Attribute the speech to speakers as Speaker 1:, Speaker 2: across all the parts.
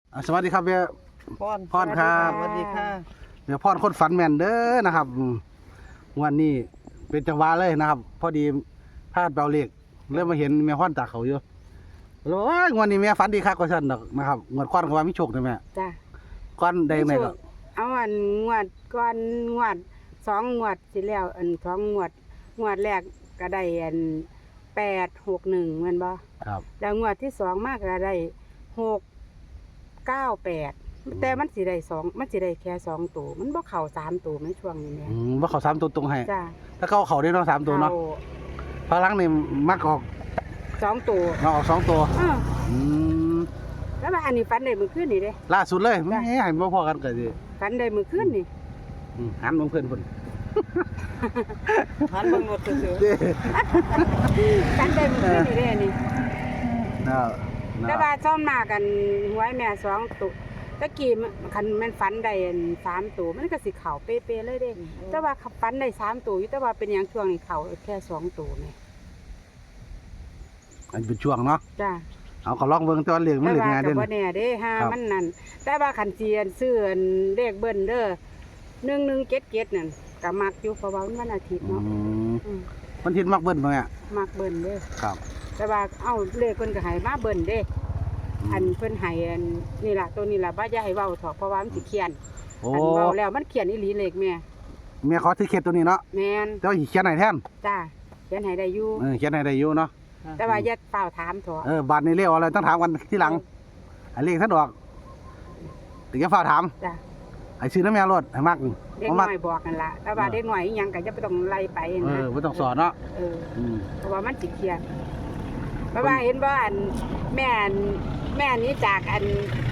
Speaker 1: สวัสดีครับแม่พรครับ
Speaker 2: สวัสดีค่ะ
Speaker 1: แม่พรคนฝันแม่นเด้อนะครับวันนี้เป็นจังหวะเลยนะครับ พอดีพลาดเบาเล็กเริ่มมาเห็นแม่พรตากเขาอยู่แล้วโอ้ยวันนี้แม่ฝันดีคักกว่าฉันดอกนะครับงวดก้อนก็ว่ามีโชคนะแม่
Speaker 3: จ้ะ
Speaker 1: ก้อนใดแม่ก็
Speaker 3: เอาอันงวดก่อนงวด2งวดสิแล้วอัน2งวดแรกก็ได้อัน861แม่นบ่
Speaker 1: ครับ
Speaker 3: แล้วงวดที่2มาก็ได้698แต่มันสิได้2มันสิได้แค่2ตัวมันบ่เข้า3ตัวในช่วงนี้แม่
Speaker 1: ว่าเขา3ตัวตรงให้
Speaker 3: จ้ะ
Speaker 1: ถ้าเขาได้เนาะ3ตัวเนาะพลังนี่มักออก
Speaker 3: 2ตัว
Speaker 1: มาออก2ตัว
Speaker 3: อืมแล้วว่าอันนี้ฝันได้มื้อคืนนี่เด้
Speaker 1: ล่าสุดเลยแหม่ให้บ่พอกันก็สิ
Speaker 3: ฝันได้มื้อคืนนี่
Speaker 1: หันมองเพิ่นเพิ่น
Speaker 2: หันเบิ่งรถซื่อ
Speaker 1: เด้
Speaker 3: ฝันได้มื้อคืนนี่เด้นี่
Speaker 1: น่า
Speaker 3: แต่ว่าซ่อมมากันหวยแม่2ตัวตะกี้คันแม่นฝันได้3ตัวมันก็สิเข้าเป๊ะๆเลยเด้แต่ว่าฝันได้3ตัวอยู่แต่ว่าเป็นหยังช่วงนี้เข้าแค่2ตัวแม่
Speaker 1: อันเป็นช่วงเนาะ
Speaker 3: จ้า
Speaker 1: เอาก็ลองเบิ่งแต่ว่าเรื่องมัน
Speaker 3: แต่
Speaker 1: เรื่อง
Speaker 3: ว่า
Speaker 1: ง่าย
Speaker 3: ก็
Speaker 1: เด่น
Speaker 3: บ่แน่เด้ฮะ
Speaker 1: ครับ
Speaker 3: มันนั่นแต่ว่าคันสิซื้อเลขเบิ้นเด้อ1177นั่นก็มักอยู่เพราะว่ามันวันอาทิตย์
Speaker 1: อื
Speaker 3: เนาะ
Speaker 1: ม
Speaker 3: อืม
Speaker 1: มันทินมักเบิ้ลบ่แม่
Speaker 3: มักเบิ้นเด้อ
Speaker 1: ครับ
Speaker 3: แต่ว่าเอ้าเลขเพิ่นก็ให้มาเบิ้นเด้อันเพิ่นให้อันนี่ล่ะตัวนี้ล่ะบ่อย่าให้เว้าเถาะเพราะว่ามันสิเขียน
Speaker 1: โอ้
Speaker 3: อันเว้าแล้วมันเขียนอีหลีเลขแม่
Speaker 1: แม่ขอถือเขตตัวนี้เนาะ
Speaker 3: แม่น
Speaker 1: แต่ว่าสิเขียนให้แทน
Speaker 3: จ้าเขียนให้ได้อยู่
Speaker 1: เขียนให้ได้อยู่เนาะ
Speaker 3: แต่ว่าอย่าเปล่าถามเถอะ
Speaker 1: บาดนี้เรียกอะไรต้องถามกันทีหลังอันเลขท่านออกถึงจะฝากถาม
Speaker 3: จ้า
Speaker 1: ไอ้ซื้อน้ำแม่รถให้มัก
Speaker 3: เด็ก
Speaker 1: บ่
Speaker 3: น้
Speaker 1: มัก
Speaker 3: อยบอกกันละแต่ว่าเด็กน้อยอีหยังก็จะไปต้องไล่ไปนะ
Speaker 1: บ่ต้องสอนเนาะ
Speaker 3: เออ
Speaker 1: อืม
Speaker 3: เพราะว่ามันสิเครียดเพราะว่าเห็นว่าอันแม่นี้จากอัน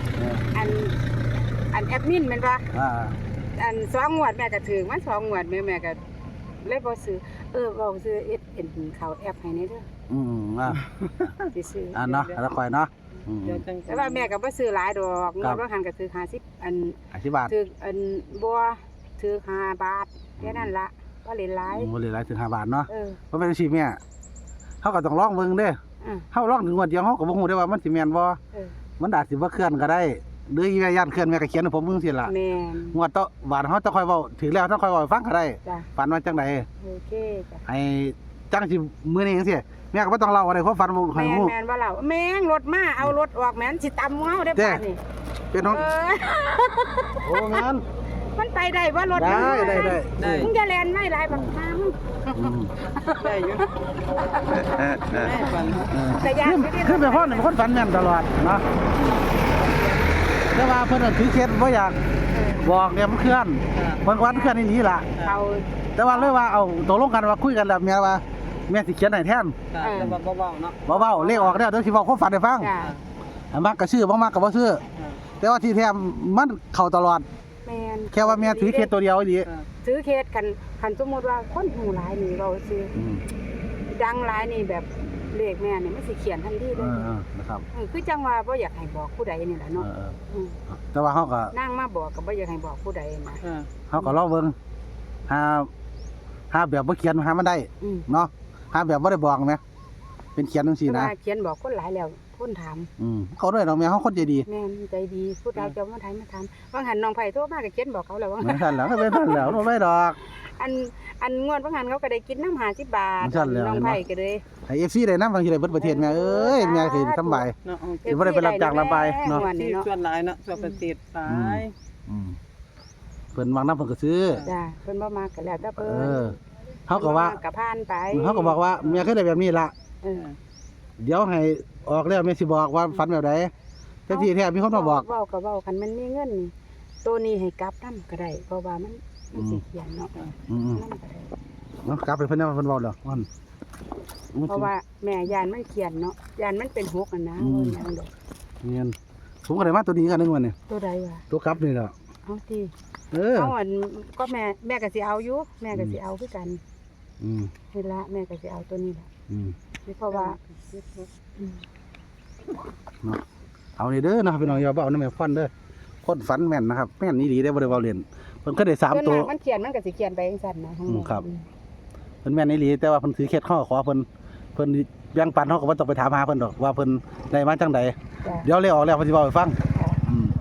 Speaker 3: แอดมินแมันว่า
Speaker 1: อ่า
Speaker 3: อัน2งวดแม่ก็ถึงมัน2งวดแม่ก็เลยบ่ซื้อบอกซื้อเอ็นเขาแอปให้นี่เด้อ สิซื้อ
Speaker 1: เนาะแล้วค่อยเนาะ
Speaker 2: ๆเดี๋ยวจัง
Speaker 3: แต่ว่าแม่ก็บ่ซื้อหลายดอกงวดบางหันก็ซื้อ50อัน
Speaker 1: 50 บาท
Speaker 3: ถืออันบัวถือ5 บาทแค่นั้นละก็เล่นหลาย
Speaker 1: บ่เลยหลายถึง5 บาทเนาะ
Speaker 3: เออ
Speaker 1: บ่เป็นสิแม่เฮาก็ต้องลองเบิ่งเด้อ
Speaker 3: อ่ะ
Speaker 1: เฮาลองถึงงวดเดียวเฮาก็บ่ฮู้ได้ว่ามันสิแม่นบ่
Speaker 3: เออ
Speaker 1: มันอาจสิบ่เคลื่อนก็ได้หรืออีแม่ย่านเคลื่อนแม่ก็เขียนให้ผมเบิ่งสิล่ะ
Speaker 3: แม่น
Speaker 1: งวดต่อบาทเฮาต้องค่อยเว้าถึงแล้วต้องค่อยเว้าให้ฟังก็ได้
Speaker 3: จ้ะ
Speaker 1: ฝันว่าจังได
Speaker 3: โอเคจ้ะ
Speaker 1: ให้จังสิมื้อนี้จังซี่แม่ก็บ่ต้องเล่าอะไรเพราะฝันบ่ให้
Speaker 3: แม่น
Speaker 1: ฮู้
Speaker 3: แม่นว่าเราแม่งรถมาเอารถออกแม่นสิตำเฮาได้
Speaker 1: เด้
Speaker 3: ป่านนี่
Speaker 1: เป็นน้อง
Speaker 3: เออ
Speaker 1: โอ้แม่น
Speaker 3: มันไปได้ว่ารถ
Speaker 1: ได้
Speaker 3: มัน
Speaker 1: ได้
Speaker 3: มึงจะแล่นไม่หลายบักมามึง
Speaker 1: อืม
Speaker 2: ได้อยู่แม่ฝัน
Speaker 3: แต่ยานไม่ได้
Speaker 1: คือเป็นคนฝันแม่นตลอดเนาะแต่ว่าเพิ่นนะถือเคล็ดบ่อยากบอกเนี่ยมันเคลื่อนเพิ่นว่ามันเคลื่อนอีหลีล่ะ
Speaker 3: เอา
Speaker 1: แต่ว่าเลยว่าเอาตกลงกันว่าคุยกันแล้วแม่ว่าแม่สิเขียนให้แทน
Speaker 2: แต่ว่าเบาๆเนาะ
Speaker 1: บ่เว้าเลขออกแล้วเดี๋ยวสิเว้าความฝันให้ฟัง
Speaker 3: จ้ะ
Speaker 1: อันมักก็ซื้อบ่มักก็บ่ซื้อแต่ว่าที่แท้มันเข้าตลอด
Speaker 3: แม่น
Speaker 1: แค่ว่าแม่ถือเคล็ดตัวเดียวอีหลี
Speaker 3: ถือเคสคันสมมุติว่าคนหูหลายนี่เราซื้อ
Speaker 1: อืม
Speaker 3: ดังหลายนี่แบบเลขแม่นี่มันสิเขียนทันทีเลย
Speaker 1: นะครับ
Speaker 3: คือจังว่าบ่อยากให้บอกผู้ใดนี่แหละเนาะ
Speaker 1: มแต่ว่าเฮาก็
Speaker 3: นั่งมาบอกก็บ่อยากให้บอกผู้ใดนะ
Speaker 1: เฮาก็ลองเบิ่งหาแบบบ่เขียนหามันได้
Speaker 3: อืม
Speaker 1: เนาะหาแบบบ่ได้บอกแม่เป็นเขียนจังซี่
Speaker 3: แต่
Speaker 1: นะ
Speaker 3: ว่าเขียนบอกคนหลายแล้วคนถาม
Speaker 1: เขาด้วยดอกแม่เฮาคนใจดี
Speaker 3: แม่นใจดีผู้ใดจะมาถามบางหันน้องไผโทรมาก็เขียนบอกเขาแล้วว่า
Speaker 1: เหมือนกันแล้วก็เป็นท่านแล้วบ่ได้ดอก
Speaker 3: อันงวดบางหันเขาก็ได้กินน้ำ50 บาท
Speaker 1: มันสั่นแล้ว
Speaker 3: น้องไผก็เลย
Speaker 1: ให้ FC ได้นำบางทีได้เบิดประเทศแม่เอ้ยแม่สิสำบาย
Speaker 2: เนาะ
Speaker 1: สิบ่ได้ไปรับจ้างรับไปเนาะ
Speaker 3: งวด
Speaker 2: ที่
Speaker 3: นี้เนาะ
Speaker 2: ส่วนหลายเนาะส่วนประเทศหลาย
Speaker 1: เพิ่นวางน้ำเพิ่นก็ซื้อ
Speaker 3: จ้าเพิ่นบ่มาก็แล้วแต่
Speaker 1: เอ
Speaker 3: เพิ่น
Speaker 1: อเฮาก็ว่า
Speaker 3: ก็ผ่านไป
Speaker 1: เฮาก็บอกว่าแม่เคยได้แบบนี้ล่ะ
Speaker 3: เออ
Speaker 1: เดี๋ยวให้ออกแล้วแม่สิบอกว่าฝันแบบใดแต่ที่แท้มีคนมาบอก
Speaker 3: เว้าก็เว้าคันมันมีเงินนี่ตัวนี้ให้กลับนำก็ได้เพราะว่ามันสิเขียนเนาะ
Speaker 1: อืม
Speaker 3: นำก็ได้
Speaker 1: เนาะกลับไปเพิ่นเพิ่นเว้าแล้วมัน
Speaker 3: เพราะว่าแม่ยานมันเขียนเนาะยานมันเป็น6อ่ะนะเงินอย่างดอก
Speaker 1: เงินผมก็ได้มาตัวนี้กันนึงวันนี้
Speaker 3: ตัวใดวะ
Speaker 1: ตัวกลับนี่แหละ
Speaker 3: เอาติ เอาอันก็แม่ก็สิเอาอยู่แม่ก็สิเอาคือกัน
Speaker 1: อืม
Speaker 3: เห็นละแม่ก็สิเอาตัวนี้แหละ
Speaker 1: อืม
Speaker 3: เพราะว่าอืม
Speaker 1: เนาะเอานี่เด้อนะครับพี่น้องอย่าเอาน้ำแม่ฟันเด้อคนฝันแม่นนะครับแม่นนี่ดีได้บ่ได้เว้าเล่นเพิ่นก็ได้3ตัว
Speaker 3: ส่นมากมันเขียนมันก็สิเขียนไปจังซั่นนะทั้งหมด
Speaker 1: ครับ เพิ่นแม่นนี่ดีแต่ว่าเพิ่นถือเคล็ดข้อขอเพิ่นแบ่งปันเฮาก็บ่ต้องไปถามหาเพิ่นดอกว่าเพิ่นได้มาจังใด
Speaker 3: จ้ะ
Speaker 1: เดี๋ยวเลยออกแล้วเพิ่นสิเว้าให้ฟัง
Speaker 3: ค่ะ
Speaker 1: อืม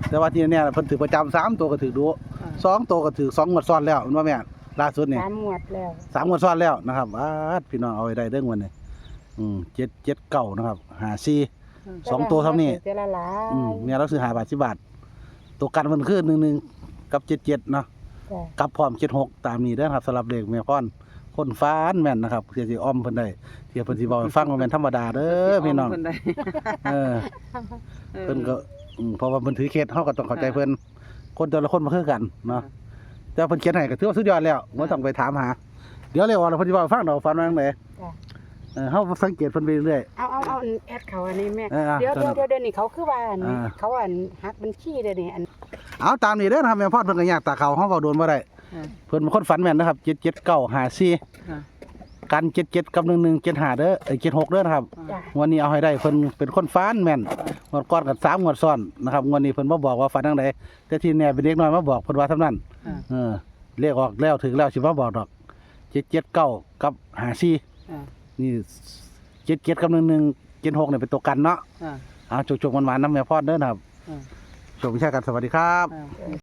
Speaker 1: แต่ว่าที่เนี่ยเพิ่นถือประจำ3ตัวก็ถือดู2ตัวก็ถือ2งวดซ้อนแล้วมันว่าแม่ล่าสุดนี่
Speaker 3: 3 งวดแล้ว
Speaker 1: 3งวดซ้อนแล้วนะครับพี่น้องเอาไว้ได้เด้งวันนี้779นะครับ54 2ตัวเท่านี้
Speaker 3: แต่ละหลาย
Speaker 1: แม่เราซื้อ5 บาท10 บาทตัวกันมันคือ11กับ77เนาะ
Speaker 3: จ้ะ
Speaker 1: กับพร้อม76ตามนี้เด้อครับสำหรับเลขแม่พรคนฟ้านแม่นนะครับเพื่อสิอ้อมเพิ่นได้เที่ยเพิ่นสิเว้าให้ฟังว่าแม่นธรรมดาเด้อพี่น้อง
Speaker 2: เพิ่นได้
Speaker 1: เออเพิ่นก็เพราะว่าเพิ่นถือเคสเฮาก็ต้องเข้าใจเพิ่นคนแต่ละคนบ่คือกันเนาะแต่เพิ่นเขียนให้ก็ถือว่าสุดยอดแล้วบ่ต้องไปถามหาเดี๋ยวเรียกว่าเพิ่นสิเว้าให้ฟังดอกฟันว่าจังได๋
Speaker 3: จ้ะ
Speaker 1: เฮาสังเกตเพิ่นไปเรื่อย
Speaker 3: เอาแอดเขาอันนี้แม่
Speaker 1: เดี๋
Speaker 3: เดี๋ยวนี่เขาคือว่าอันนี้
Speaker 1: อ่า
Speaker 3: เขาอันหักบัญชีเด้อนี่อัน
Speaker 1: เอาตามนี้เด้อนะครับแม่พรเพิ่นก็อยากตาเขาเฮาเว้าโดนบ่ได้เพิ่นเป็นคนฝันแม่นนะครับ77954กัน77กับ1175เด้อ76เด้อนะครับ
Speaker 3: จ้ะ
Speaker 1: งวดนี้เอาให้ได้เพิ่นเป็นคนฟ้านแม่นงวดก่อนกับ3งวดซ้อนนะครับงวดนี้เพิ่นบ่บอกว่าฝันจังไดแต่ที่แน่เป็นเด็กน้อยมาบอกเพิ่นว่าเท่านั้นเรียกออกแล้วถึงแล้วสิมาบอกดอก779กับ54นี่77กับ1176นี่เป็นตัวกันเนาะเอาจุกๆมันๆนำแม่พรเด้อนะครับโชควิชากันสวัสดีครับ
Speaker 2: อ่า